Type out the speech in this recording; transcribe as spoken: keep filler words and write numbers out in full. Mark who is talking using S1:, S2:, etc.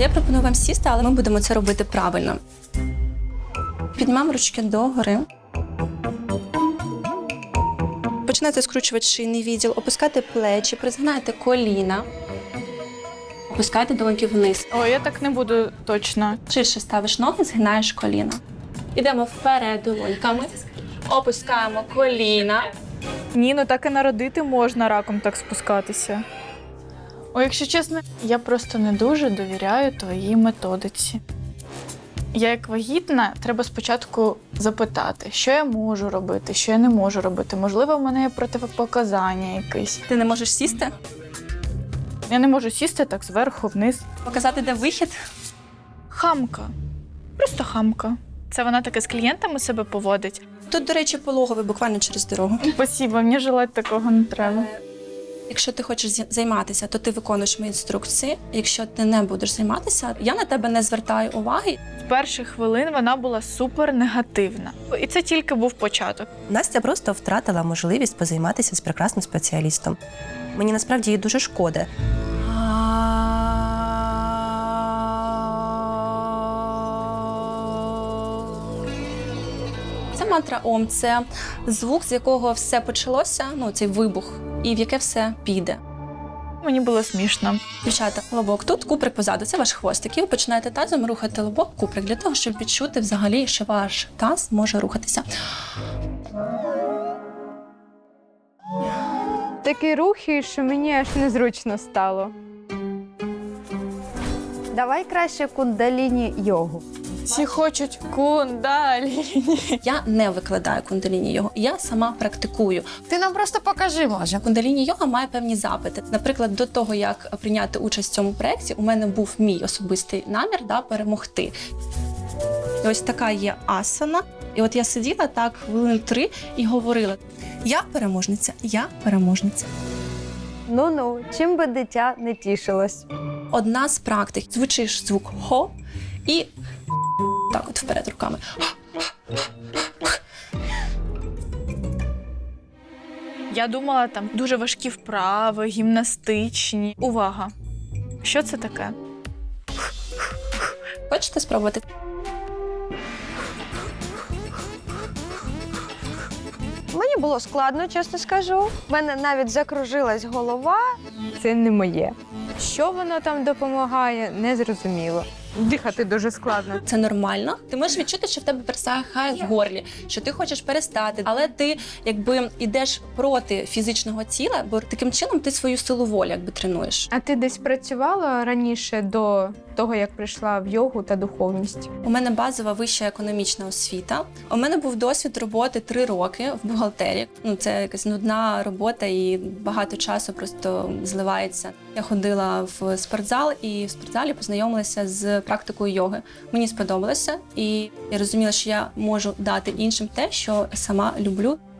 S1: Я пропоную вам сісти, але ми будемо це робити правильно. Піднімаємо ручки догори. Починайте скручувати шийний відділ, опускайте плечі, призгинайте коліна. Опускайте долоньки вниз.
S2: О, я так не буду точно.
S1: Ширше ставиш ноги, згинаєш коліна. Ідемо вперед долоньками. Опускаємо коліна.
S2: Ні, ну так і народити можна раком так спускатися. О, якщо чесно, я просто не дуже довіряю твоїй методиці. Я як вагітна, треба спочатку запитати, що я можу робити, що я не можу робити. Можливо, в мене є протипоказання якесь.
S1: Ти не можеш сісти?
S2: Я не можу сісти так зверху вниз.
S1: Показати, де вихід?
S2: Хамка. Просто хамка. Це вона таке з клієнтами себе поводить.
S1: Тут, до речі, пологовий, буквально через дорогу.
S2: Спасибо, мені желать такого не треба.
S1: Якщо ти хочеш зі- займатися, то ти виконуєш мої інструкції. Якщо ти не будеш займатися, я на тебе не звертаю уваги.
S2: З перших хвилин вона була супер негативна. І це тільки був початок.
S3: Настя просто втратила можливість позайматися з прекрасним спеціалістом. Мені насправді їй дуже шкода.
S1: Це мантра Ом, це звук, з якого все почалося, ну цей вибух, і в яке все піде.
S2: Мені було смішно.
S1: Дівчата, лобок тут, куприк позаду, це ваш хвостик. І ви починаєте тазом рухати лобок, куприк, для того, щоб відчути взагалі, що ваш таз може рухатися.
S4: Такі рухи, що мені аж незручно стало. Давай краще кундаліні йогу.
S2: Всі хочуть кундаліні.
S1: Я не викладаю кундаліні йогу, я сама практикую.
S5: Ти нам просто покажи, може.
S1: Кундаліні йога має певні запити. Наприклад, до того, як прийняти участь в цьому проєкті, у мене був мій особистий намір да, перемогти. І ось така є асана. І от я сиділа так хвилин три і говорила: я переможниця, я переможниця.
S4: Ну-ну, чим би дитя не тішилось.
S1: Одна з практик. Звучиш звук хо і так от вперед руками.
S2: Я думала, там дуже важкі вправи, гімнастичні. Увага! Що це таке?
S1: Хочете спробувати?
S4: Мені було складно, чесно скажу. У мене навіть закружилась голова. Це не моє. Що воно там допомагає, не зрозуміло. Дихати дуже складно.
S1: Це нормально. Ти можеш відчути, що в тебе пересихає в горлі, що ти хочеш перестати, але ти якби йдеш проти фізичного тіла, бо таким чином ти свою силу волі якби тренуєш.
S4: А ти десь працювала раніше до того, як прийшла в йогу та духовність?
S1: У мене базова вища економічна освіта. У мене був досвід роботи три роки в бухгалтерії. Ну, це якась нудна робота і багато часу просто зливається. Я ходила в спортзал і в спортзалі познайомилася з практикою йоги. Мені сподобалося, і я розуміла, що я можу дати іншим те, що сама люблю.